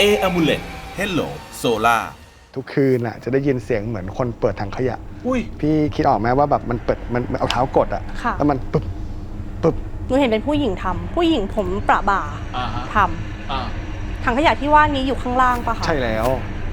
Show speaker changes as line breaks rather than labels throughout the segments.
Amulet Hello Solar
ทุกคืนน่ะจะได้ยินเสียงเหมือนคนเปิดถังขยะพี่คิดออกไหมว่าแบบมันเปิดมันเอาเท้ากดอ่ะแล้วมันปึ๊บปึ๊บ
หนูเห็นเป็นผู้หญิงทำผู้หญิงผมประบ่าทำถังขยะที่ว่านี้อยู่ข้างล่างปะคะ
ใช่แล้ว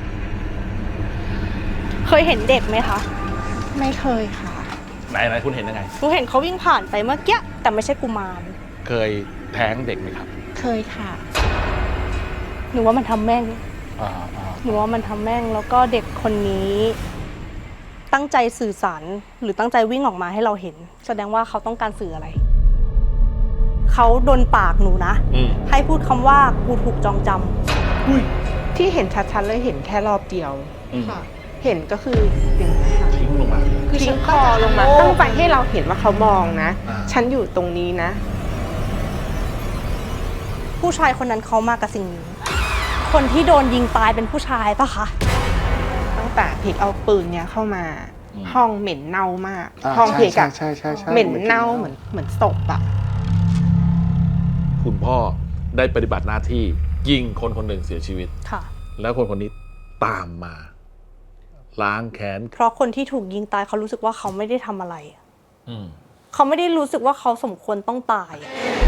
เคยเห็นเด็กไหมคะ
ไม่เคยค่ะ
ไหนคุณเห็นยังไง
หนูเห็นเขาวิ่งผ่านไปเมื่อกี้แต่ไม่ใช่กุมาร
เคยแท้งเด็กไหมครับ
เคยค่ะ
หนูว่ามันทำแม่งหนูว่ามันทำแม่งแล้วก็เด็กคนนี้ตั้งใจสื่อสารหรือตั้งใจวิ่งออกมาให้เราเห็นแสดงว่าเขาต้องการสื่ออะไรเขาโดนปากหนูนะให้พูดคำว่ากูถูกจองจำ
ที่เห็นชัดๆเลยเห็นแค่รอบเดียวเห็นก็คืออย่างนี้ค่ะ
ทิ้งลงมา
คือทิ้งคอลงมาตั้งใจให้เราเห็นว่าเขามองนะฉันอยู่ตรงนี้นะ
ผู้ชายคนนั้นเขามากับสิ่งนี้คนที่โดนยิงตายเป็นผู้ชายปะคะ
ตั้งแต่พิกเอาปืนเนี้ยเข้ามาห้องเหม็นเน่ามากห้องพิกอะเหม็นเน่าเหมือนศพอะ
คุณพ่อได้ปฏิบัติหน้าที่ยิงคนคนหนึ่งเสียชีวิต
ค่ะ
แล้วคนคนนี้ตามมาล้างแค้น
เพราะคนที่ถูกยิงตายเขารู้สึกว่าเขาไม่ได้ทำอะไรเขาไม่ได้รู้สึกว่าเขาสมควรต้องตาย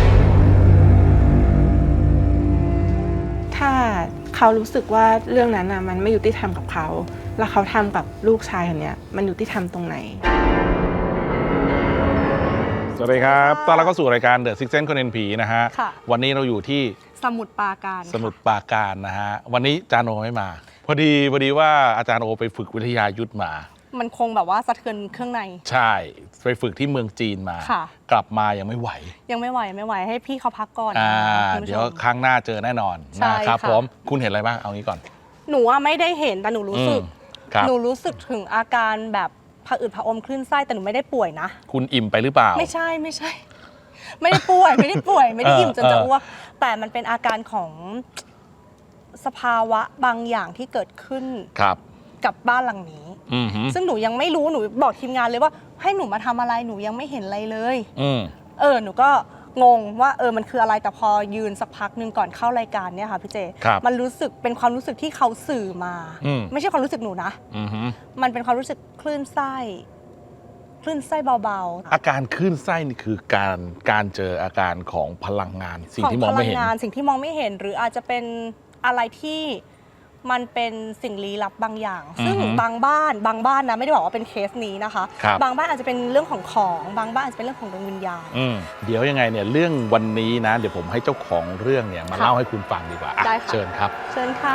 ถ้าเขารู้สึกว่าเรื่องนั้นมันไม่ยุติธรรมกับเขาแล้วเขาทำกับลูกชายคนนี้มันยุติธรรมตรงไหน
สวัสดีครับตอนเราก็สู่รายการ The Sixth Sense คนเห็นผีนะฮะวันนี้เราอยู่ที่
สมุทรปรา
การนะฮะวันนี้อาจารย์โอไม่มาพอดีว่าอาจารย์โอไปฝึกวิทยายุทธมา
มันคงแบบว่าสะเทือนเครื่องใน
ใช่ไปฝึกที่เมืองจีนมากลับมายังไม่ไหว
ให้พี่เขาพักก่อน
เดี๋ยวครั้งหน้าเจอแน่นอนนะครับผมคุณเห็นอะไรบ้างเอางี้ก่อน
หนูว่าไม่ได้เห็นแต่หนูรู้สึกถึงอาการแบบผะอืดผะอมคลื่นไส้แต่หนูไม่ได้ป่วยนะ
คุณอิ่มไปหรือเปล่า
ไม่ใช่ไม่ได้ป่วยไม่ได้อิ่มจนจะอ้วกแต่มันเป็นอาการของสภาวะบางอย่างที่เกิดขึ้นกับบ้านหลังนี้ซึ่งหนูยังไม่รู้หนูบอกทีมงานเลยว่าให้หนูมาทำอะไรหนูยังไม่เห็นอะไรเลยหนูก็งงว่ามันคืออะไรแต่พอยืนสักพักนึงก่อนเข้ารายการเนี่ยค่ะพี่เจมันรู้สึกเป็นความรู้สึกที่เขาสื่อมาไม่ใช่ความรู้สึกหนูนะมันเป็นความรู้สึกคลื่นไส้เบา
ๆอาการคลื่นไส้นี่คือการเจออาการของพลังงานสิ่งที่มองไม่เห็น
สิ่งที่มองไม่เห็นหรืออาจจะเป็นอะไรที่มันเป็นสิ่งลี้ลับบางอย่างซึ่งบางบ้านนะไม่ได้บอกว่าเป็นเคสนี้นะคะบางบ้านอาจจะเป็นเรื่องของบางบ้านอาจจะเป็นเรื่องของดวงวิญญาณ
เดี๋ยวยังไงเนี่ยเรื่องวันนี้นะเดี๋ยวผมให้เจ้าของเรื่องเนี่ยมาเล่าให้คุณฟังดีกว่าเชิญครับ
เชิญค่ะ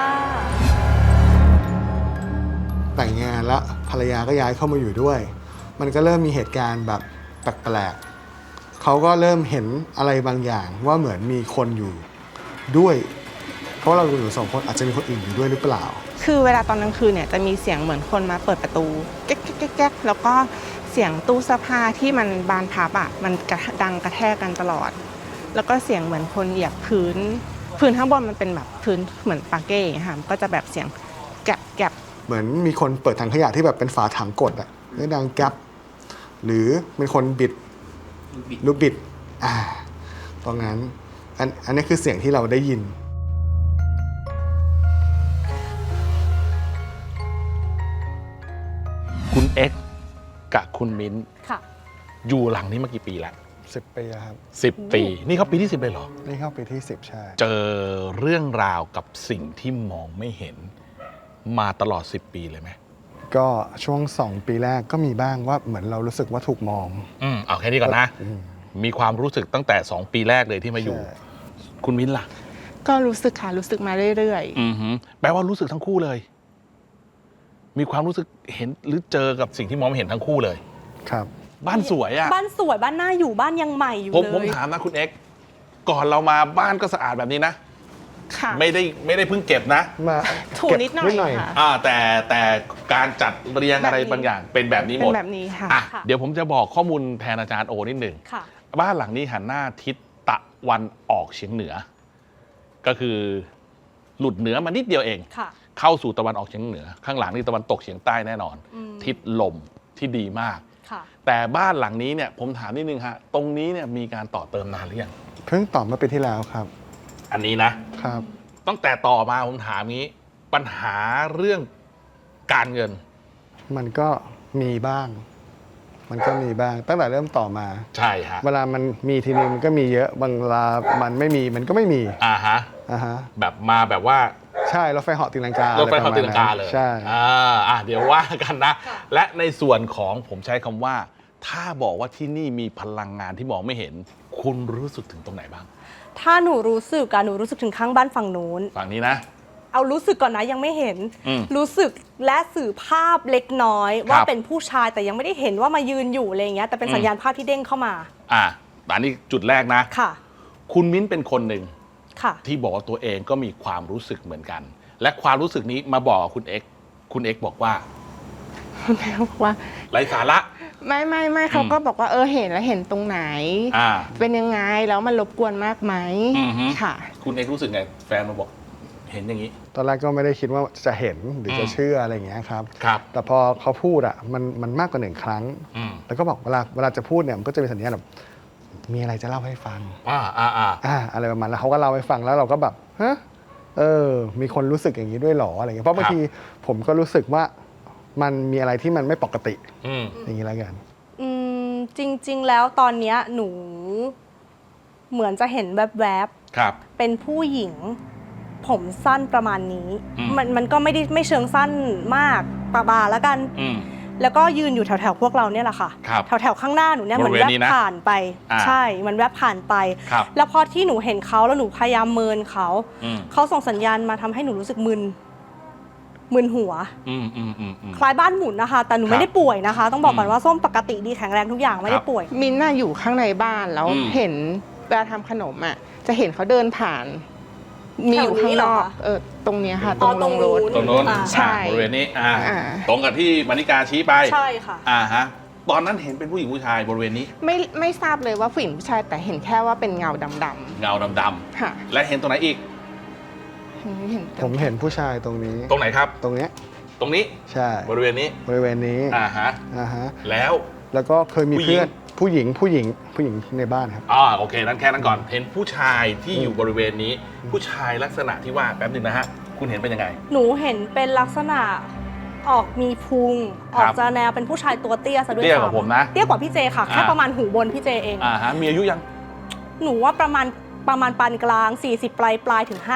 แต่งงานแล้วภรรยาก็ย้ายเข้ามาอยู่ด้วยมันก็เริ่มมีเหตุการณ์แบบแปลกๆเขาก็เริ่มเห็นอะไรบางอย่างว่าเหมือนมีคนอยู่ด้วยเพราะเราอยู่สองคนอาจจะมีคนอื่นอยู่ด้วยหรือเปล่า
คือเวลาตอนกลางคืนเนี่ยจะมีเสียงเหมือนคนมาเปิดประตูแก๊กแก๊กแก๊กแล้วก็เสียงตู้เสื้อผ้าที่มันบานพับมันดังกระแทกกันตลอดแล้วก็เสียงเหมือนคนเหยียบพื้นข้างบนมันเป็นแบบพื้นเหมือนปาเก้ค่ะก็จะแบบเสียงแกะแกะ
เหมือนมีคนเปิดถังขยะที่แบบเป็นฝาถังกดแล้วดังแกะหรือเป็นคนบิดลูกบิดตรงนั้นอันนี้คือเสียงที่เราได้ยิน
คุณเอ็กซ์กับคุณมิ้นอยู่หลังนี้มากี่ปีแล้ว
10 ปีครับ
10 ปีนี่เขาปีที่10เลยเหรอ
นี่เข้าปีที่10ใช่
เจอเรื่องราวกับสิ่งที่มองไม่เห็นมาตลอด10 ปีเลยไหม
ก็ช่วง2 ปีแรกก็มีบ้างว่าเหมือนเรารู้สึกว่าถูกมอง
เอาแค่นี้ก่อนนะมีความรู้สึกตั้งแต่2 ปีแรกเลยที่มาอยู่คุณมิ้นล่ะ
ก็รู้สึกค่ะรู้สึกมาเรื่อย
ๆแปลว่ารู้สึกทั้งคู่เลยมีความรู้สึกเห็นหรือเจอกับสิ่งที่มองไม่เห็นทั้งคู่เลย
ครับ
บ้านสวย
บ้านสวยบ้านน่าอยู่บ้านยังใหม่อยู่
เลยผมถามนะคุณเอ็กซ์ก่อนเรามาบ้านก็สะอาดแบบนี้นะ
ค่ะ
ไม่ได้เพิ่งเก็บนะ
มา
ถูนิดหน่อย
ค่ะแต่การจัดเรียงอะไรบางอย่างเป็นแบบนี้หมด
เป็นแบบนี้ค่ะ
เดี๋ยวผมจะบอกข้อมูลแทนอาจารย์โอนิดหนึ่งบ้านหลังนี้หันหน้าทิศตะวันออกเฉียงเหนือก็คือหลุดเหนือมานิดเดียวเองเข้าสู่ตะวันออกเฉียงเหนือข้างหลังนี่ตะวันตกเฉียงใต้แน่นอนทิศลมที่ดีมากแต่บ้านหลังนี้เนี่ยผมถามนิดนึงฮะตรงนี้เนี่ยมีการต่อเติมนานหรือยัง
เพิ่งต่อมาปีที่แล้วครับ
อันนี้นะครับตั้งแต่ต่อมาผมถามงี้ ปัญหาเรื่องการเงิน
มันก็มีบ้าง ตั้งแต่เริ่มต่อมา
ใช่ฮะ
เวลามันมีทีนึงมันก็มีเยอะบางเวลามันไม่มีมันก็ไม่มี
ฮะแบบมาแบบว่า
ใช่รถไฟเหาะตีลังการ
ถไฟเหาะตีลังกาเลย
ใช่
เดี๋ยวว่ากันนะ และในส่วนของผมใช้คำว่า ถ้าบอกว่าที่นี่มีพลังงานที่มองไม่เห็น คุณรู้สึกถึงตรงไหนบ้าง
ถ้าหนูรู้สึกถึงข้างบ้านฝั่งนู้น
ฝั่งนี้นะ
เอารู้สึกก่อนนะยังไม่เห็น รู้สึกและสื่อภาพเล็กน้อยว่าเป็นผู้ชายแต่ยังไม่ได้เห็นว่ามายืนอยู่อะไรอย่างเงี้ยแต่เป็นสัญญาณภาพที่เด้งเข้ามา
อันนี้จุดแรกนะ
ค่ะ
คุณมิ้นเป็นคนหนึ่ง
ค่ะ
ที่บอกว่าตัวเองก็มีความรู้สึกเหมือนกัน และความรู้สึกนี้มาบอกคุณเอ็กบอกว่า
คุณแม่บอกว่า
ไร้สาระ
ไม่เขาก็บอกว่าเห็นแล้วเห็นตรงไหน เป็นยังไงแล้วมันรบกวนมากไหมค่ะ
คุณเอ็กรู้สึกไงแฟนมาบอกเห็นอย่างนี้
ตอนแรกก็ไม่ได้คิดว่าจะเห็นหรือจะเชื่ออะไรอย่างเงี้ยครับ แต่พอเขาพูดมันมากกว่า1 ครั้งแล้วก็บอกเวลาจะพูดเนี่ยมันก็จะมีสัญญาณแบบมีอะไรจะเล่าให้ฟังอะไรประมาณแล้วเขาก็เล่าให้ฟังแล้วเราก็แบบฮะมีคนรู้สึกอย่างนี้ด้วยหรออะไรเงี้ยเพราะบางทีผมก็รู้สึกว่ามันมีอะไรที่มันไม่ปกติอย่างนี้แล้วกัน
จริงๆแล้วตอนเนี้ยหนูเหมือนจะเห็นแวบๆเป็นผู้หญิงผมสั้นประมาณนี้มันก็ไม่เชิงสั้นมากปะบาแล้วกันแล้วก็ยืนอยู่แถวๆพวกเราเนี่ยแหละค่ะแถวๆข้างหน้าหนูเนี่ยเหมือนแวบผ่านไปใช่มันแวบผ่านไปแล้วพอที่หนูเห็นเขาแล้วหนูพยายามเมินเขาส่งสัญญาณมาทำให้หนูรู้สึกมึนหัวคล้ายบ้านหมุนนะคะแต่หนูไม่ได้ป่วยนะคะต้องบอกก่อนว่าส้มปกติดีแข็งแรงทุกอย่างไม่ได้ป่วย
มินน่ะอยู่ข้างในบ้านแล้วเห็นเวลาทำขนมจะเห็นเขาเดินผ่านมีอยู่ข้างนอกตรงนี้ค่ะตรงลงรถ
ตรงโน้น
ใช่
บริเวณนี้ตรงกับที่มานิกาชี้ไป
ใช่ค่ะ
ตอนนั้นเห็นเป็นผู้หญิงผู้ชายบริเวณนี้
ไม่ทราบเลยว่าผู้หญิงผู้ชายแต่เห็นแค่ว่าเป็นเงาดำ
ๆเงาดำๆค่ะและเห็นตรงไหนอีก
ผมเห็นผู้ชายตรงนี้
ตรงไหนครับ
ตรงนี้ใช่
บริเวณนี้
แล้วก็เคยมีเพื่อนผู้หญิงในบ้านครับ
โอเคนั้นแค่นั้นก่อนเห็นผู้ชายที่อยู่บริเวณนี้ผู้ชายลักษณะที่ว่าแป๊บนึงนะฮะคุณเห็นเป็นยังไง
หนูเห็นเป็นลักษณะออกมีพุงออกจะแนวเป็นผู้ชายตัวเตี้ยซะด้วย
เตี้ยกว่าผมนะ
เตี้ยกว่าพี่เจค่ะแค่ประมาณหูบนพี่เจเอง
มีอายุยัง
หนูว่าประมาณปานกลาง40ปลายถึง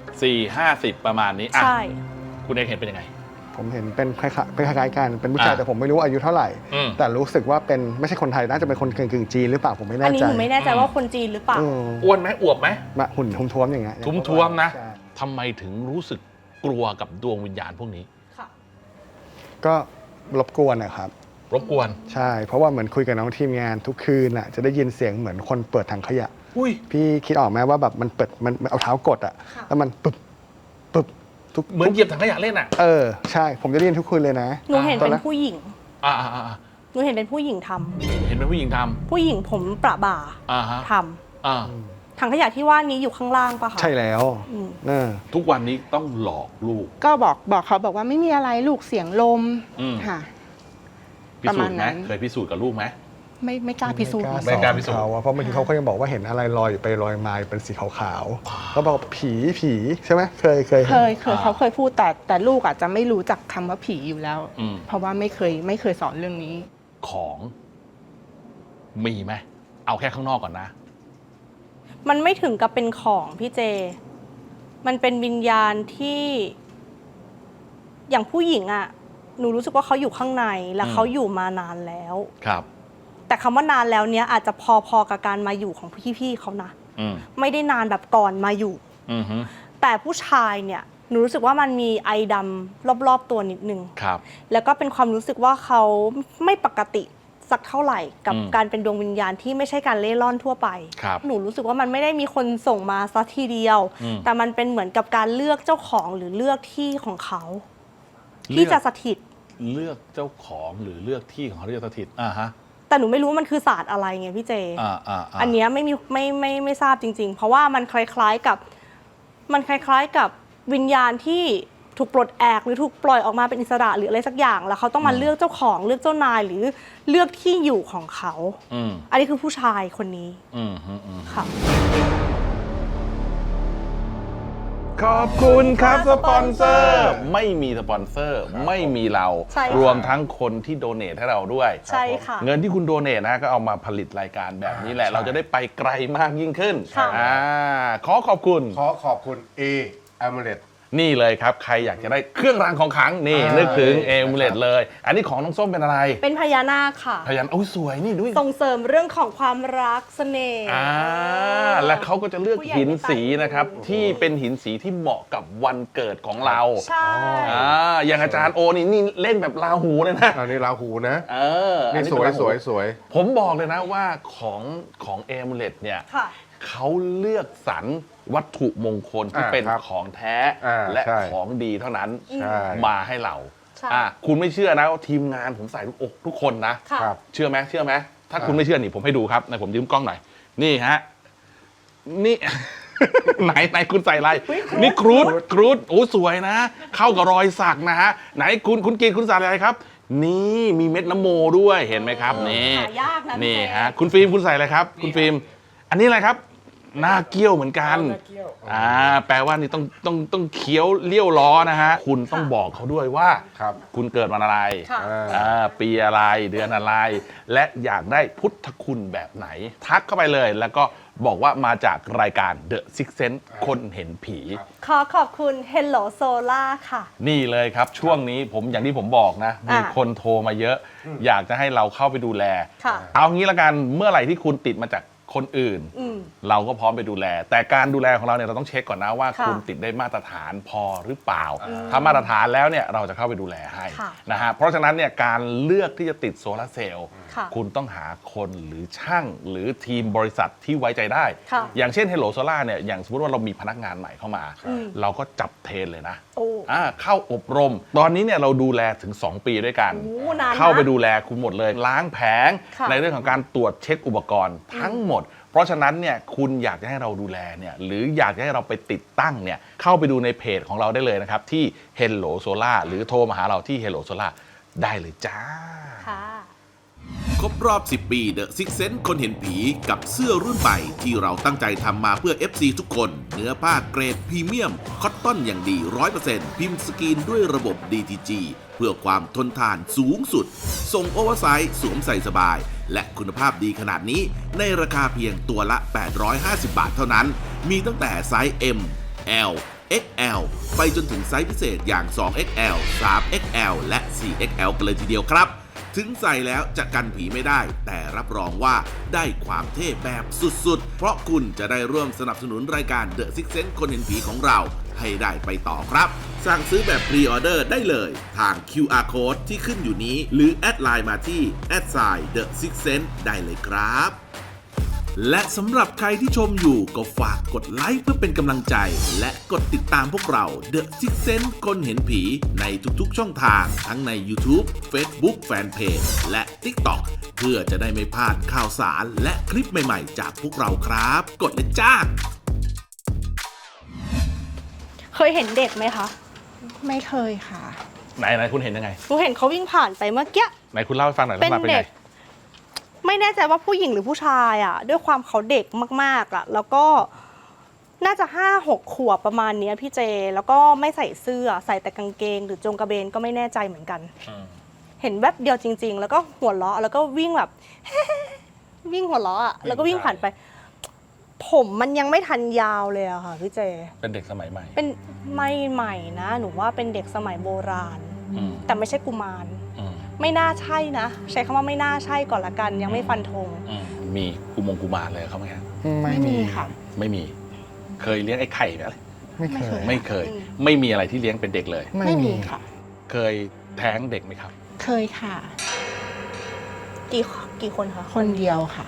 50ประมาณนี้
ใช่
คุณเอกเห็นเป็นยังไง
ผมเห็นเป็นคล้ายๆกันเป็นผู้ชายแต่ผมไม่รู้อายุเท่าไหร่แต่รู้สึกว่าเป็นไม่ใช่คนไทยน่าจะเป็นคนกึ่งจีนหรือเปล่าผมไม่แน่ใจ
อันนี้หนูไม่แน่ใจว่าคนจีนหรือเปล่า
อ้วนไหมอวบไหม
หุ่นท้วมๆอย่างเงี้ย
ท้วมๆนะทำไมถึงรู้สึกกลัวกับดวงวิญญาณพวกนี้
ก็รบกวนนะครับ
รบกวน
ใช่เพราะว่าเหมือนคุยกับน้องทีมงานทุกคืนจะได้ยินเสียงเหมือนคนเปิดถังขยะพี่คิดออกไหมว่าแบบมันเปิดมันเอาเท้ากดแล้วมันปึ๊บ
เหมือนเหยียบถังขยะเล่น
ใช่ผมจะได้ยินทุกคืนเลยนะ
หนูเห็นเป็นผู้หญิงหนูเห็นเป็นผู้หญิงทำ
เห็นเป็นผู้หญิงทำ
ผู้หญิงผมประบ่าทำถังขยะที่ว่านี้อยู่ข้างล่างปะคะ
ใช่แล้ว
ทุกวันนี้ต้องหลอกลูก
ก็บอกเขาบอกว่าไม่มีอะไรลูกเสียงลมค่ะ
พิสูจน์ไหมเคยพิสูจน์กับลูกไหม
ไม่กล้าพิสูจน์
ไม่กล้าพิสูจน์เพราะบางทีเขาก็ยังบอกว่าเห็นอะไรลอยไปลอยมาเป็นสีขาวๆแล้วบอกผีใช่ไหมเคย
เขาเคยพูดแต่ลูกอาจจะไม่รู้จักคำว่าผีอยู่แล้วเพราะว่าไม่เคยสอนเรื่องนี้
ของมีไหมเอาแค่ข้างนอกก่อนนะ
มันไม่ถึงกับเป็นของพี่เจมันเป็นวิญญาณที่อย่างผู้หญิงหนูรู้สึกว่าเขาอยู่ข้างในและเขาอยู่มานานแล้ว
ครับ
แต่คำว่านานแล้วเนี้ยอาจจะพอกับการมาอยู่ของพี่ๆเขานะไม่ได้นานแบบก่อนมาอยู่แต่ผู้ชายเนี่ยหนูรู้สึกว่ามันมีไอดำรอบๆตัวนิดนึงแล้วก็เป็นความรู้สึกว่าเขาไม่ปกติสักเท่าไหร่กับการเป็นดวงวิญญาณที่ไม่ใช่การเล่ร่อนทั่วไปหนูรู้สึกว่ามันไม่ได้มีคนส่งมาสักทีเดียวแต่มันเป็นเหมือนกับการเลือกเจ้าของหรือเลือกที่ของเขาที่จะสถิต
เลือกเจ้าของหรือเลือกที่ของเขาที่จะสถิต
แต่หนูไม่รู้ว่ามันคือศาสตร์อะไรไงพี่เจอันเนี้ยไม่ทราบจริงๆเพราะว่ามันคล้ายๆกับวิญญาณที่ถูกปลดแอกหรือถูกปล่อยออกมาเป็นอิสระหรืออะไรสักอย่างแล้วเขาต้องมาเลือกเจ้าของเลือกเจ้านายหรือเลือกที่อยู่ของเขาอันนี้คือผู้ชายคนนี้
ค่ะขอบคุณครับสปอนเซอร์ ไม่มีสปอนเซอร์ไม่มีเรา
ใช่ค่ะ
รวมทั้งคนที่โดเนทให้เราด้วย
ใช่ค่ะ
เงินที่คุณโดเนทนะก็เอามาผลิตรายการแบบนี้แหละ
ใช่
เราจะได้ไปไกลมากยิ่งขึ้น
ค่ะ
ขอขอบคุณ
ขอขอบคุณ Amulet
นี่เลยครับ ใครอยากจะได้เครื่องรางของขลังนี่นึกถึงเอมูเลตเลย อันนี้ของน้องส้มเป็นอะไร
เป็นพญานาคค่ะ
พยันโอ้ยสวยนี่ด้วย
ส่งเสริมเรื่องของความรักเสน่ห์
และเขาก็จะเลือก
ผู้ใหญ่
หิน
ไม่ตาย
สีนะครับ ที่เป็นหินสีที่เหมาะกับวันเกิดของเรา
ใช่
อย่างอาจารย์โอนี่เล่นแบบราหูเลยนะ
อันนี้ราหูนะ
อั
นี่สวย
เป็นราหู
สวยสวย
ผมบอกเลยนะว่าของเอมูเลตเนี่ย
ค่ะ
เขาเลือกสรรวัตถุมงคลที่เป็น
ครับ
ของแท้ และ
ใช่
ของดีเท่านั้น
ใช่
มาให้เรา
ใช่
คุณไม่เชื่อนะว่าทีมงานผมใส่ทุกอกทุกคนนะ
ค่ะ
ครับ
เชื่อไหมถ้าคุณไม่เชื่อนี่ผมให้ดูครับผมยืมกล้องหน่อยนี่ฮะนี่ ไหนคุณใส่อะไรนี่ครูดโอ้สวยนะ เข้ากับรอยสักนะฮะไหนคุณกินคุณใส่อะไรครับ นี่มีเม็ดน้ำโมด้วยเห็นไหมครับนี่
หายากนะ
นี่
พี่เจ
ฮะคุณฟิล์มคุณใส่อะไรครับ คุณฟิล์มอันนี้อะไรครับหน้าเกี้ยวเหมือนกันแปลว่านี่ต้องเคี้ยวเลี้ยวล้อนะฮะคุณต้องบอกเขาด้วยว่า
ครับ
คุณเกิดวันอะไร
ค่ะ
ปีอะไรเดือนอะไร และอยากได้พุทธคุณแบบไหน ทักเข้าไปเลยแล้วก็บอกว่ามาจากรายการ The Six Sense คนเห็นผี
ขอขอบคุณ Hello Solar ค่ะ
นี่เลยครับช่วงนี้ผมอย่างที่ผมบอกนะ มีคนโทรมาเยอะ อยากจะให้เราเข้าไปดูแล
ค่ะ
เอางี้ละกันเมื่อไหร่ที่คุณติดมาจากคนอื่น
อืม
เราก็พร้อมไปดูแล แต่การดูแลของเราเนี่ยเราต้องเช็คก่อนนะว่า
ค่ะ
คุณติดได้มาตรฐานพอหรือเปล่า ถ้ามาตรฐานแล้วเนี่ยเราจะเข้าไปดูแลให้
ค่ะ
นะฮะเพราะฉะนั้นเนี่ยการเลือกที่จะติดโซลาร์เซลล์
ค่ะ
คุณต้องหาคนหรือช่างหรือทีมบริษัทที่ไว้ใจได้
ค่ะ
อย่างเช่น Hello Solar เนี่ยอย่างสมมติว่าเรามีพนักงานใหม่เข้ามา เราก็จับเทรนเลยนะ
โอ้
เข้าอบรม ตอนนี้เนี่ยเราดูแลถึง 2 ปีด้วยกัน
โอ้นานนะ
เข้าไปดูแลคุณหมดเลย ล้างแผง
ค่ะ
ในเรื่องของการตรวจเช็คอุปกรณ์ทั้งหมด เพราะฉะนั้นเนี่ยคุณอยากจะให้เราดูแลเนี่ยหรืออยากจะให้เราไปติดตั้งเนี่ยเข้าไปดูในเพจของเราได้เลยนะครับ ที่ Hello Solar หรือโทรมาหาเราที่ Hello Solar ได้เลยจ้า
ค่ะ
ครบรอบ 10 ปี The Six Sense คนเห็นผีกับเสื้อรุ่นใหม่ที่เราตั้งใจทำมาเพื่อ FC ทุกคน เนื้อผ้าเกรดพรีเมียม คอตตอนอย่างดี 100% พิมพ์สกรีนด้วยระบบ DTG เพื่อความทนทานสูงสุด ส่งโอเวอร์ไซส์สวมใส่สบาย และคุณภาพดีขนาดนี้ในราคาเพียงตัวละ 850 บาทเท่านั้น มีตั้งแต่ไซส์ M L XL ไปจนถึงไซส์พิเศษอย่าง 2XL 3XL และ 4XL กันเลยทีเดียวครับ ถึงใส่แล้วจะกันผีไม่ได้ แต่รับรองว่าได้ความเท่แบบสุดๆ เพราะคุณจะได้ร่วมสนับสนุนรายการ The Six Sense คนเห็นผีของเราให้ได้ไปต่อครับ สั่งซื้อแบบพรีออเดอร์ได้เลยทาง QR Code ที่ขึ้นอยู่นี้ หรือแอดไลน์มาที่ @The Six Sense ได้เลยครับ และสำหรับใครที่ชมอยู่ก็ฝากกดไลค์เพื่อเป็นกำลังใจ และกดติดตามพวกเรา The Six Sense คนเห็นผีในทุกๆช่องทางทั้งใน YouTube Facebook Fanpage และ TikTok เพื่อจะได้ไม่พลาดข่าวสารและคลิปใหม่ๆจากพวกเราครับ กดเลยจ้า
เคยเห็นเด็กไหมคะ
ไม่เคยค่ะ
ไหนคุณเห็นยังไง
หนูเห็นเขาวิ่งผ่านไปเมื่อกี้
ไหนคุณเล่าให้ฟังหน่อย
เป็น
ลักษณะเป็น
เด็
ไง
ก ไม่แน่ใจว่าผู้หญิงหรือผู้ชายอ่ะ ด้วยความเขาเด็กมากๆอ่ะ แล้วก็น่าจะ5-6 ขวบประมาณเนี้ยพี่เจ แล้วก็ไม่ใส่เสื้อใส่แต่กางเกง หรือจงกระเบนก็ไม่แน่ใจเหมือนกัน เห็นแวบเดียวจริง ๆ แล้วก็หัวเราะแล้วก็วิ่งแบบ วิ่งหัวเราะอ่ะแล้วก็วิ่งผ่านไป ผมมันยังไม่ทันยาวเลยอะค่ะพี่เจ
เป็นเด็กสมัยใหม่
เป็นไม่ใหม่นะ หนูว่าเป็นเด็กสมัยโบราณ
อืม
แต่ไม่ใช่กุมาร
อืม
ไม่น่าใช่นะ ใช้คำว่าไม่น่าใช่ก่อนละกัน ยังไม่ฟันธง
มีกุมารเลยเขาไหมครับ
ไม่มี
ค่ะ
ไม่มี เคยเลี้ยงไอ้ไข่ไหม
ไม่เคย
ไม่เคย
อืม
ไม่มีอะไรที่เลี้ยงเป็นเด็กเลย
ไม่มีค่ะ
เคยแท้งเด็กไหมครับ
เคยค่ะ
กี่คนคะ
คนเดียวค่ะ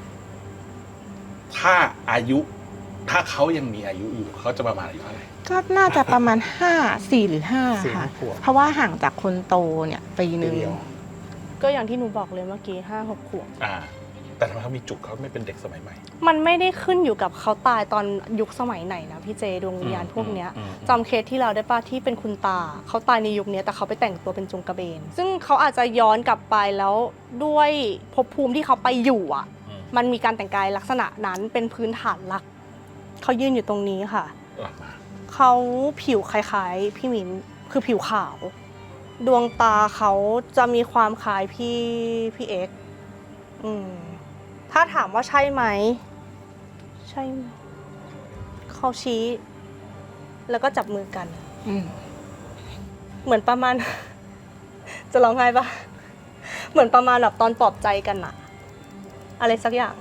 ถ้าถ้าเขายังมีอายุอยู่เขาจะประมาณอายุเท่าไหร่
ก็น่าจะประมาณ4 หรือ 5 ค่ะ
4 ขวบ
เพราะว่าห่างจากคนโตเนี่ยปีหนึ่ง
ปีเดียว
ก็อย่างที่หนูบอกเลยเมื่อกี้5-6 ขวบ
แต่ทำไมเขามีจุกเขาไม่เป็นเด็กสมัยใหม่
มันไม่ได้ขึ้นอยู่กับเขาตายตอนยุคสมัยไหนนะพี่เจดวงวิญญาณพวกเนี้ยจำเคสที่เราได้ป่ะที่เป็นคุณตาเขาตายในยุคนี้แต่เขาไปแต่งตัวเป็นจงกระเบน ซึ่งเขาอาจจะย้อนกลับไปแล้วด้วยภพภูมิที่เขาไปอยู่อ่ะ มันมีการแต่งกายลักษณะนั้นเป็นพื้นฐานหลักเขายืนอยู่ตรงนี้ค่ะ
หลับมา
เขาผิวคล้ายๆพี่มิ้นคือผิวขาว ดวงตาเขาจะมีความคล้ายพี่เอ็กซ์ถ้าถามว่าใช่ไหมใช่ไหมเขาชี้ แล้วก็จับมือกันเหมือนประมาณ จะร้องไห้ปะเหมือนประมาณแบบตอนปลอบใจกันอะอะไรสักอย่าง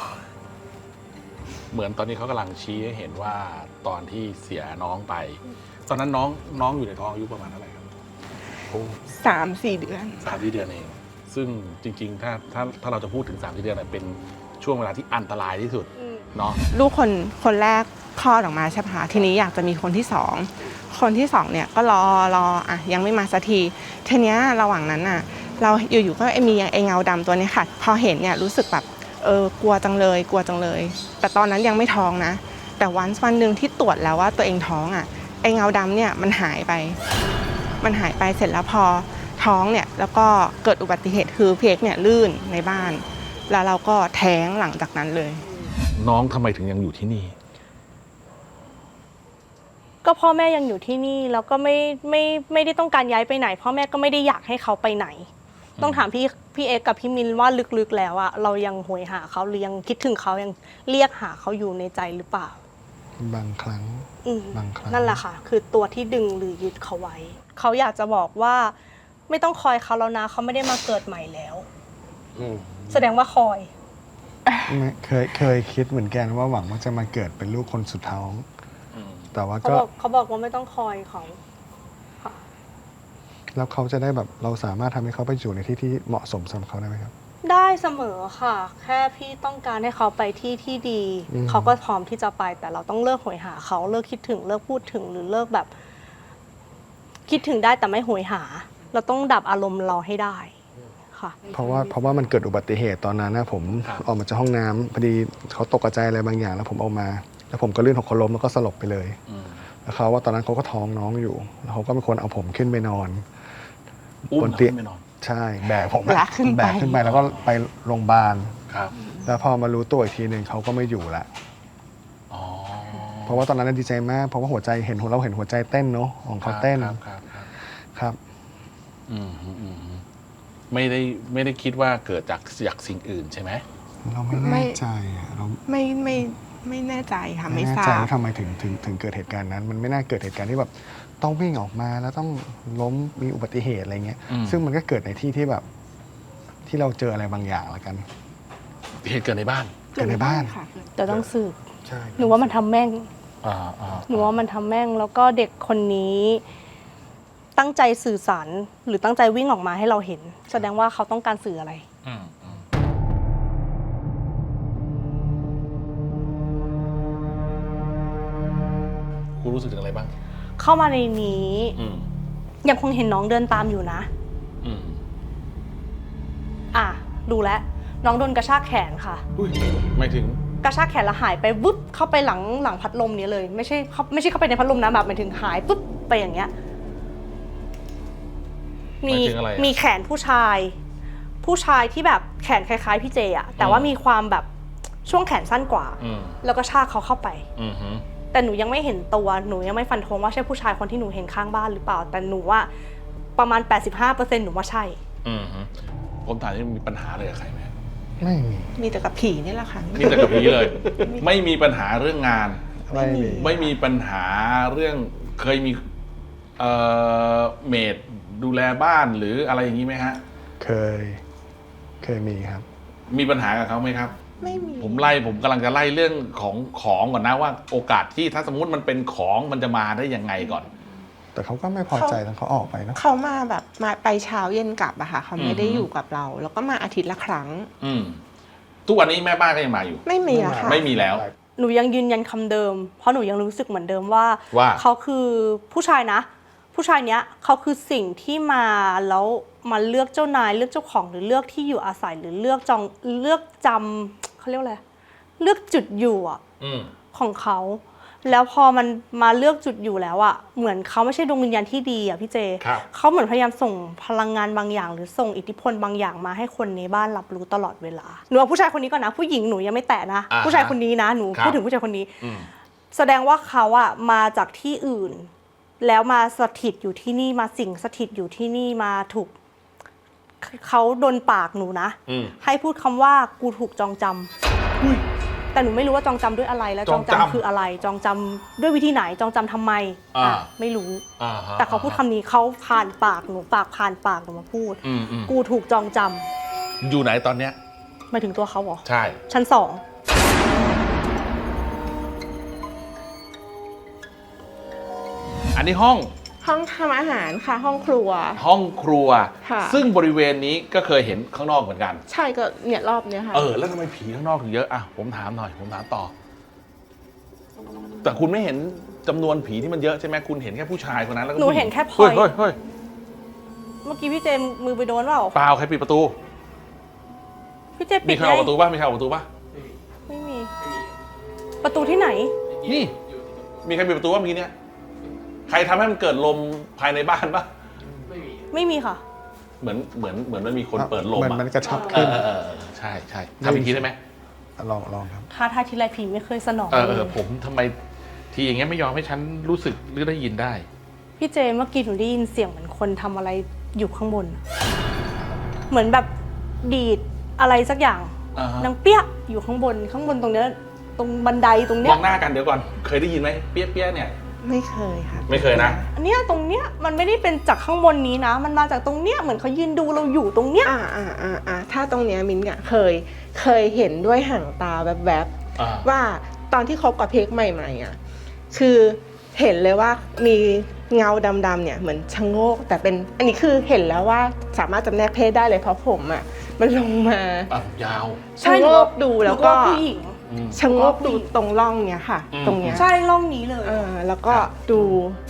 เหมือนตอนนี้เขากำลังชี้ให้เห็นว่าตอนที่เสียน้องไป ตอนนั้นน้องอยู่ในท้องอายุประมาณเท่าไหร่ครับ
3-4 เดือน
3-4 เดือนเองซึ่งจริงๆถ้าเราจะพูดถึง3-4 เดือนเป็นช่วงเวลาที่อันตรายที่สุดเนาะ
ลูกคนแรกคลอดออกมาใช่ไหมคะทีนี้อยากจะมีคนที่สองคนที่สองเนี่ยก็รออ่ะยังไม่มาสักทีทีเนี้ยระหว่างนั้นอ่ะเราอยู่ๆก็มีไอ้เงาดำตัวนี้ค่ะพอเห็นเนี่ยรู้สึกแบบกลัวจังเลยแต่ตอนนั้นยังไม่ท้องนะแต่วันหนึ่งที่ตรวจแล้วว่าตัวเองท้องอ่ะไอ้เงาดำเนี่ยมันหายไปเสร็จแล้วพอท้องเนี่ยแล้วก็เกิดอุบัติเหตุคือเพกเนี่ยลื่นในบ้านแล้วเราก็แท้งหลังจากนั้นเลย
น้องทำไมถึงยังอยู่ที่นี่
ก็พ่อแม่ยังอยู่ที่นี่แล้วก็ไม่ได้ต้องการย้ายไปไหนพ่อแม่ก็ไม่ได้อยากให้เขาไปไหนต้องถามพี่เอกกับพี่มินว่าลึกๆแล้วอะเรายังโหยหาเขาหรือยังคิดถึงเขายังเรียกหาเขาอยู่ในใจหรือเปล่า
บางครั้ง
นั่นแหละค่ะคือตัวที่ดึงหรือยึดเขาไว้เขาอยากจะบอกว่าไม่ต้องคอยเขาแล้วนะเขาไม่ได้มาเกิดใหม่แล้วแสดงว่าคอย
เคยคิดเหมือนกันว่าหวังว่าจะมาเกิดเป็นลูกคนสุดท้องแต่ว่า
เขาบอกว่าไม่ต้องคอยเขา
แล้วเขาจะได้แบบเราสามารถทำให้เขาไปอยู่ในที่เหมาะสมสำหรับเขาได้ไหมครับ
ได้เสมอค่ะแค่พี่ต้องการให้เขาไปที่ดีเขาก็พร้อมที่จะไปแต่เราต้องเลิกโหยหาเขาเลิกคิดถึงเลิกพูดถึงหรือเลิกแบบคิดถึงได้แต่ไม่โหยหาเราต้องดับอารมณ์เราให้ได้ค่ะ
เพราะว่ามันเกิดอุบัติเหตุตอนนั้นนะผมออกมาจากห้องน้ำพอดีเขาตกใจอะไรบางอย่างแล้วผมออกมาแล้วผมก็ลื่นหกล้มแล้วก็สลบไปเลยแล้วเขาว่าตอนนั้นเขาก็ท้องน้องอยู่แล้วเขาก็เป็นคนเอาผมขึ้นไปนอน
บนเตียง
ใช่แบกผมขึ้นไปแล้วก็ไปโรงพยาบาลแล้วพอมารู้ตัวอีกทีหนึ่งเขาก็ไม่อยู่ละเพราะว่าตอนนั้นดีใจมากเพราะว่าหัวใจเราเห็นหัวใจเต้นเนาะของเขาเต้นครับ
ไม่ได้คิดว่าเกิดจากสิ่งอื่นใช่ไหม
เราไม่แน่ใจเรา
ไม่แน่ใจค่ะไม่ทราบ
ว่าทำไมถึงเกิดเหตุการณ์นั้นมันไม่น่าเกิดเหตุการณ์ที่แบบต้องวิ่งออกมาแล้วต้องล้มมีอุบัติเหตุอะไรเงี้ยซึ่งมันก็เกิดในที่ที่แบบที่เราเจออะไรบางอย่างแล้วกัน
เหตุเกิดในบ้าน
แต่ต้องสืบหนูว่ามันทำแม่งหนูว่ามันทำแม่งแล้วก็เด็กคนนี้ตั้งใจสื่อสารหรือตั้งใจวิ่งออกมาให้เราเห็นแสดงว่าเขาต้องการสื่ออะไร
คุณรู้สึกถึงอะไรบ้าง
เข้ามาในนี้ยังคงเห็นน้องเดินตามอยู่นะดูแลน้องโดนกระชากแขนค่ะ
ไม่ถึง
กระชากแขนแล้วหายไปวึบเข้าไปหลังพัดลมนี้เลยไม่ใช่เข้าไปในพัดลมนะแบบหมายถึงหายปุ๊บไปอย่างเงี้ยมีแขนผู้ชายที่แบบแขนคล้ายๆพี่เจอะแต่ว่ามีความแบบช่วงแขนสั้นกว่าแล้วก็ชากเขาเข้าไปแต่หนูยังไม่เห็นตัวหนูยังไม่ฟันธงว่าใช่ผู้ชายคนที่หนูเห็นข้างบ้านหรือเปล่าแต่หนูว่าประมาณ 85% หนูว่าใช่
ผมถามที่มีปัญหาอะไรกับใครไหม
ไม่
มีแต่กับผีนี่แหละค่ะ
มีแต่กับผีเลยไม่มีปัญหาเรื่องงานไม่มีปัญหาเรื่องเคยมีเมดดูแลบ้านหรืออะไรอย่างนี้ไหมฮะ
เคยมีครับ
มีปัญหากับเขาไหมครับ
ไม่มี
ผมกำลังจะไล่เรื่องของก่อนนะว่าโอกาสที่ถ้าสมมุติมันเป็นของมันจะมาได้ยังไงก่อน
แต่เขาก็ไม่พอใจแล้วเขาออกไปนะ
เขามาแบบมาไปเช้าเย็นกลับอะค่ะเขาไม่ได้อยู่กับเราแล้วก็มาอาทิตย์ละครั้ง
ทุกวันนี้แม่บ้านก็ยังมาอยู่
ไม่มีอะค่ะ
ไม่มีแล้ว
หนูยังยืนยันคำเดิมเพราะหนูยังรู้สึกเหมือนเดิมว่าเขาคือผู้ชายนะผู้ชายเนี้ยเขาคือสิ่งที่มาแล้วมาเลือกเจ้านายเลือกเจ้าของหรือเลือกที่อยู่อาศัยหรือเลือกจำเขาเรียกอะไรเลือกจุดอยู่ของเขาแล้วพอมันมาเลือกจุดอยู่แล้วอะเหมือนเขาไม่ใช่ดวงวิญญาณที่ดีอะพี่เจเขาเหมือนพยายามส่งพลังงานบางอย่างหรือส่งอิทธิพลบางอย่างมาให้คนในบ้านรับรู้ตลอดเวลาหนูเอาผู้ชายคนนี้ก่อนนะผู้หญิงหนูยังไม่แตะนะผู้ชายคนนี้นะหนูพูดถึงผู้ชายคนนี้แสดงว่าเขาอะมาจากที่อื่น แล้วมาสถิตอยู่ที่นี่มาสิงสถิตอยู่ที่นี่มาถูกเขาโดนปากหนูนะให้พูดคำว่ากูถูกจองจำแต่หนูไม่รู้ว่าจองจำด้วยอะไรแล้วจองจำคืออะไร จองจำด้วยวิธีไหนจองจำทำไมไม่รู้แต่เขาพูดคำนี้เขาผ่านปากหนูผ่านปากหนูมาพูดกูถูกจองจำ
อยู่ไหนตอนเนี้ย
หมายถึงตัวเขาเหรอ
ใช่
ชั้น 2
อันนี้ห้อง
ทำอาหารค่ะห้องครัว
ห้องครัว
ค่ะ
ซึ่งบริเวณนี้ก็เคยเห็นข้างนอกเหมือนกัน
ใช่ก็เนี่ยรอบเนี้ยค่ะ
แล้วทำไมผีข้างนอกถึงเยอะอ่ะผมถามหน่อยผมถามต่อแต่คุณไม่เห็นจำนวนผีที่มันเยอะใช่ไหมคุณเห็นแค่ผู้ชายคนนั้นแล้วก็
หนูเห็นแค่พลอย
เฮ้ย
เมื่อกี้พี่เจมมือไปโดนเปล่า
เปล่าใครปิดประตู
พี่เจมปิด
มีใครออกประตูป่ะมีใครออกประตูป่ะ
ไม่มีประตูที่ไหน
นี่มีใครปิดประตูป่ะเมื่อกี้เนี่ยใครทำให้มันเกิดลมภายในบ้านปะ
ไม่มีค่ะ
เหมือนมันมีคนเปิดลม
มันกระชับขึ้น
ใช่ทำอีกทีได้ไหม
ลองครับ
ถ้าทีไรผีไม่เคยสนอง
ผมทำไมทีอย่างเงี้ยไม่ยอมให้ฉันรู้สึกหรือได้ยินได้
พี่เจเมื่อกี้หนูได้ยินเสียงเหมือนคนทำอะไรอยู่ข้างบนเหมือนแบบดีดอะไรสักอย่างนางเปี้ยอยู่ข้างบนตรงเนี้ยตรงบันไดตรงเนี้ย
มองหน้ากันเดี๋ยวก่อนเคยได้ยินไหมเปี้ยเนี่ย
ไม่เคยค่ะ
ไม่เคยนะ
อันเนี้ยตรงเนี้ยมันไม่ได้เป็นจากข้างบนนี้นะมันมาจากตรงเนี้ยเหมือนเขายืนดูเราอยู่ตรงเนี้ย
ถ้าตรงเนี้ยมิ้นท์เคยเห็นด้วยห่างตาแวบๆว่าตอนที่คบกับเพกใหม่ๆคือเห็นเลยว่ามีเงาดำๆเนี่ยเหมือนชะโงกแต่เป็นอันนี้คือเห็นแล้วว่าสามารถจำแนกเพศได้เลยเพราะผมมันลงม
ายาว
ชะโงกดูแล้วก็ชะโงกดูตรงร่องเนี้ยค่ะตรงเนี้ย
ใช่ร่องนี้เลย
แล้วก็ดู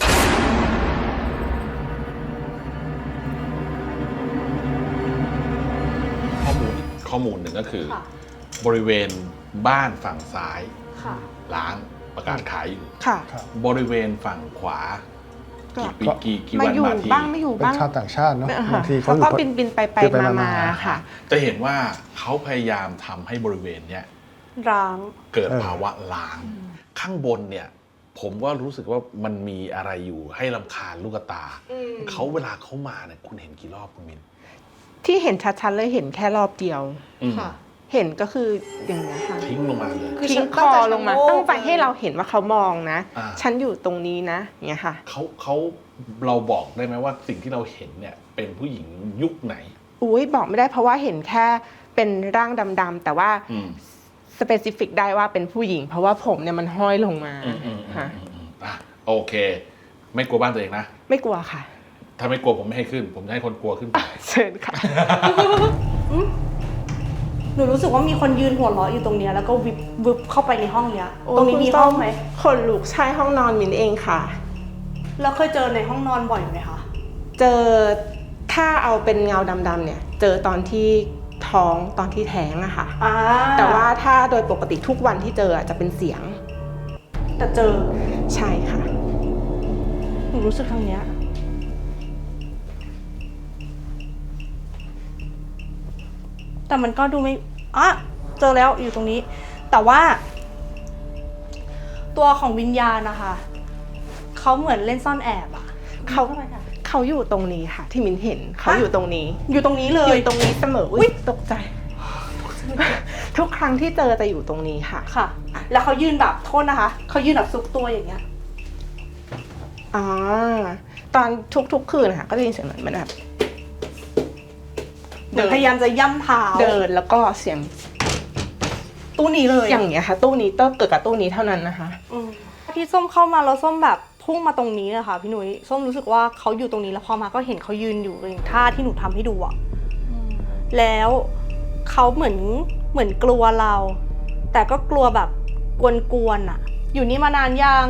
ข้อมูลหนึ่งก็คือบริเวณบ้านฝั่งซ้ายล้างประกาศขายอยู่บริเวณฝั่งขวากี่วันมาที
บ้างไม่อยู่บ้าง
เป็นชาวต่างชาติเนาะบางที
เขาก็บินไปมาค่ะ
จะเห็นว่าเขาพยายามทำให้บริเวณเนี้ย
ร้าง
เกิดภาวะล้างข้างบนเนี่ยผมก็รู้สึกว่ามันมีอะไรอยู่ให้รำคาญลูกตาเขาเวลาเขามาเนี่ยคุณเห็นกี่รอบคุณมิน
ที่เห็นชัดๆเลยเห็นแค่รอบเดียวค่ะเห็นก็คืออย่างนี้ค่ะ
ทิ้งลงมาเลย
ทิ้งคอลงมาตั้งใจให้เราเห็นว่าเขามองนะฉันอยู่ตรงนี้นะอย่างเงี้ยค่ะ
เขาเราบอกได้ไหมว่าสิ่งที่เราเห็นเนี่ยเป็นผู้หญิงยุคไหน
บอกไม่ได้เพราะว่าเห็นแค่เป็นร่างดำๆแต่ว่าสเปซิฟิกได้ว่าเป็นผู้หญิงเพราะว่าผมเนี่ยมันห้อยลงมาค่ะ
โอเคไม่กลัวบ้านตัวเองนะ
ไม่กลัวค่ะ
ถ้าไม่กลัวผมไม่ให้ขึ้นผมจะให้คนกลัวขึ้นไป
เชิญค่ะ
หนูรู้สึกว่ามีคนยืนหัวเราะอยู่ตรงเนี้ยแล้วก็วิบเข้าไปในห้องเนี้ยตรงนี้มีห้องไหม
คนลุกใช่ห้องนอนมินเองค่ะ
แล้วเคยเจอในห้องนอนบ่อยไหมคะ
เจอถ้าเอาเป็นเงาดำๆเนี่ยเจอตอนที่ท้องตอนที่แท้งอะค่ะแต่ว่าถ้าโดยปกติทุกวันที่เจอจะเป็นเสียง
แต่เจอ
ใช่ค่ะ
หนูรู้สึกทางเนี้ยแต่มันก็ดูไม่เจอแล้วอยู่ตรงนี้แต่ว่าตัวของวิญญาณนะคะเขาเหมือนเล่นซ่อนแอบ
เขาอยู่ตรงนี้ค่ะที่มินเห็นเขาอยู่ตรงนี้
เลยอยู่ตรงนี้
เสมออุ๊ยตกใจทุกครั้งที่เจอจะอยู่ตรงนี้ค่ะ
แล้วเขายืนแบบโทษนะคะเขายืนแบบซุกตัวอย่างเงี้ย
ตอนทุกคืนค่ะก็จะยินเสียงเหมือนแบบ
พยายามจะย่ำเท้า
เดินแล้วก็เสียง
ตู้นี้เลย
อย่างเงี้ยค่ะตู้นี้ต้องเกิดกับตู้นี้เท่านั้นนะคะ
ที่ส้มเข้ามาแล้วส้มแบบพุ่งมาตรงนี้เลยค่ะพี่หนุ่ยส้มรู้สึกว่าเขาอยู่ตรงนี้แล้วพอมาก็เห็นเขายืนอยู่อย่างท่าที่หนูทำให้ดูแล้วเขาเหมือนกลัวเราแต่ก็กลัวแบบกวนๆอยู่นี่มานานยัง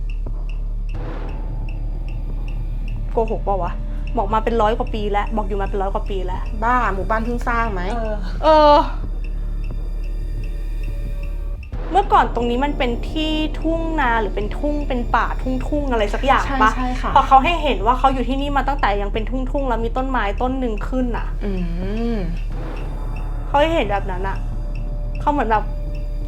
โกหกเปล่าวะบอกมาเป็น100 กว่าปีแล้วบอกอยู่มาเป็น100 กว่าปีแล้ว
บ้าหมู่บ้านเพิ่งสร้างไหม
เมื่อก่อนตรงนี้มันเป็นที่ทุ่งนาหรือเป็นทุ่งเป็นป่าทุ่งอะไรสักอย่างปะพอเขาให้เห็นว่าเขาอยู่ที่นี่มาตั้งแต่ยังเป็นทุ่งแล้วมีต้นไม้ต้นหนึ่งขึ้นเขาให้เห็นแบบนั้นเขาเหมือนแบบ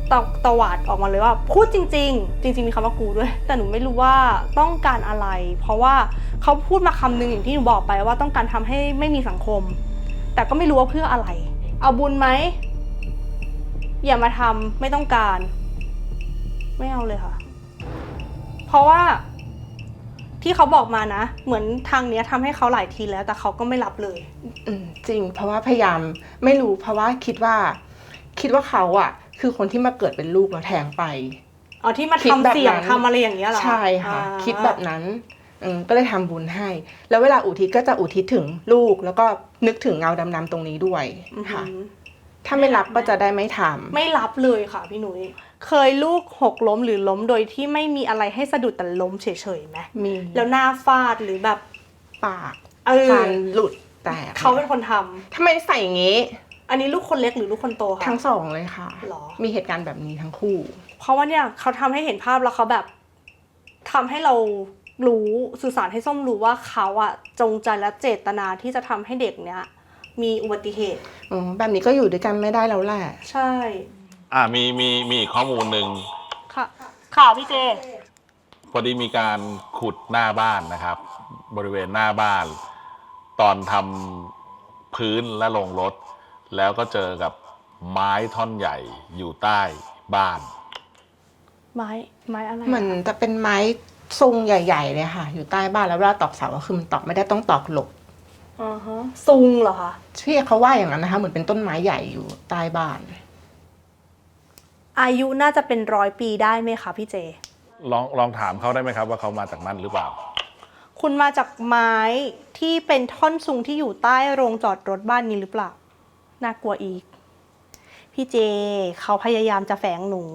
ตวาดออกมาเลยว่าพูดจริงๆมีคำว่ากูด้วยแต่หนูไม่รู้ว่าต้องการอะไรเพราะว่าเขาพูดมาคำนึงอย่างที่หนูบอกไปว่าต้องการทำให้ไม่มีสังคมแต่ก็ไม่รู้ว่าเพื่ออะไรเอาบุญไหมอย่ามาทำไม่ต้องการไม่เอาเลยค่ะเพราะว่าที่เขาบอกมานะเหมือนทางเนี้ยทำให้เขาหลายทีแล้วแต่เขาก็ไม่รับเลย
จริงเพราะว่าพยายามไม่รู้เพราะว่าคิดว่าเขาอะคือคนที่มาเกิดเป็นลูกแล้วแทงไป
ที่มาทำเสี่ยงทำอะไรอย่างเงี้ยเหรอ
ใช่ค่ะคิดแบบนั้นก็เลยทำบุญให้แล้วเวลาอุทิศก็จะอุทิศถึงลูกแล้วก็นึกถึงเงาดำๆตรงนี้ด้วยค่ะถ้าไม่รับก็จะได้ไม่ทำ
ไม่รับเลยค่ะพี่หนุ่ยเคยลูกหกล้มหรือล้มโดยที่ไม่มีอะไรให้สะดุดแต่ล้มเฉยๆไหม
มี
แล้วหน้าฟาดหรือแบบ
ปากฟันหลุดแตก
เขาเป็นคนท
ำทำไมใส่อย่างงี้
อันนี้ลูกคนเล็กหรือลูกคนโตคะ
ทั้งสองเลยค่ะมีเหตุการณ์แบบนี้ทั้งคู่
เพราะว่าเนี่ยเขาทำให้เห็นภาพแล้วเขาแบบทำให้เรารู้สื่อสารให้ส้มรู้ว่าเขาอะจงใจและเจตนาที่จะทำให้เด็กเนี้ยมีอุบัติเหตุ
แบบนี้ก็อยู่ด้วยกันไม่ได้แล้วแหละ
ใช่
มีอีกข้อมูลหนึ่ง
ค่ะพี่เจ
พอดีมีการขุดหน้าบ้านนะครับบริเวณหน้าบ้านตอนทำพื้นและลงรถแล้วก็เจอกับไม้ท่อนใหญ่อยู่ใต้บ้าน
ไม้อะไร
มันจะเป็นไม้ทรงใหญ่ๆเลยค่ะอยู่ใต้บ้านแล้วเวลาตอกเสาก็คือมันตอกไม่ได้ต้องตอกหลบ
ซุงเหรอคะ
ที่เขาว่าอย่างนั้นนะคะเหมือนเป็นต้นไม้ใหญ่อยู่ใต้บ้าน
อายุน่าจะเป็น100 ปีได้ไหมคะพี่เจ
ลองถามเขาได้ไหมครับว่าเขามาจากนั่นหรือเปล่า
คุณมาจากไม้ที่เป็นท่อนซุงที่อยู่ใต้โรงจอดรถบ้านนี้หรือเปล่าน่ากลัวอีกพี่เจเขาพยายามจะแฝงหนู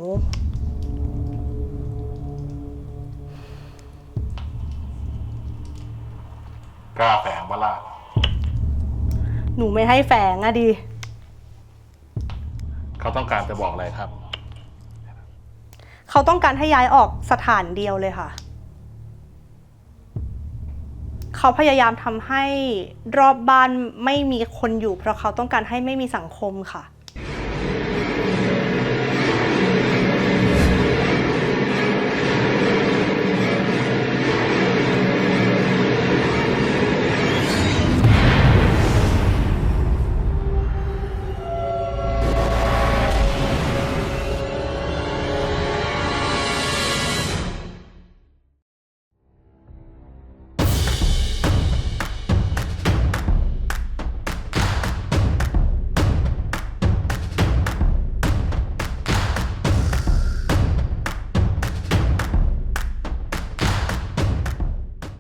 กล้าแฝงปะล่ะ
หนูไม่ให้แฝงอะดิ
เขาต้องการจะบอกอะไรครับ
เขาต้องการให้ย้ายออกสถานเดียวเลยค่ะเขาพยายามทำให้รอบบ้านไม่มีคนอยู่เพราะเขาต้องการให้ไม่มีสังคมค่ะ